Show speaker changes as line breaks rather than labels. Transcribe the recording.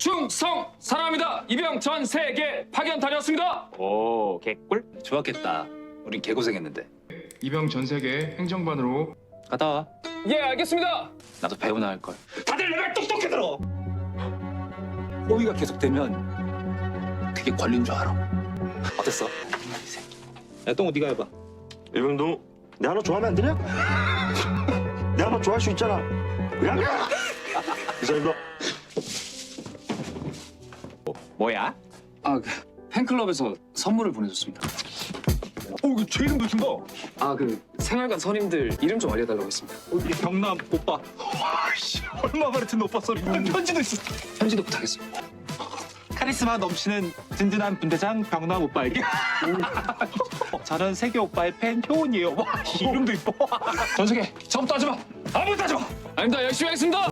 충성 사랑합니다. 이병 전 세계 파견 다녀왔습니다.
오, 개꿀? 좋았겠다. 우린 개고생했는데.
이병 전 세계 행정반으로
갔다 와.
예, 알겠습니다.
나도 배우나 할 걸.
다들 내 말 똑똑히 들어.
호의가 계속되면 그게 권리인 줄 알아. 어땠어? 야, 똥우 네가 해봐.
이병동, 내 하나 좋아하면 안 되냐? 내 하나 좋아할 수 있잖아. 야! 이사님도
뭐야?
아, 팬클럽에서 선물을 보내줬습니다.
이거 제 이름도 준다.
아, 생활관 선임들 이름 좀 알려달라고 했습니다.
이 경남 오빠. 와씨, 얼마 만에 듣는 오빠 소리. 편지도 있어.
편지도 부탁했습니다.
카리스마 넘치는 든든한 분대장 병남 오빠에게 저는 세계 오빠의 팬 효은이에요. 와, 이름도 이뻐.
전 세계, 저부터 하지 마. 아무것도 하지 마. 아닙니다. 열심히 하겠습니다.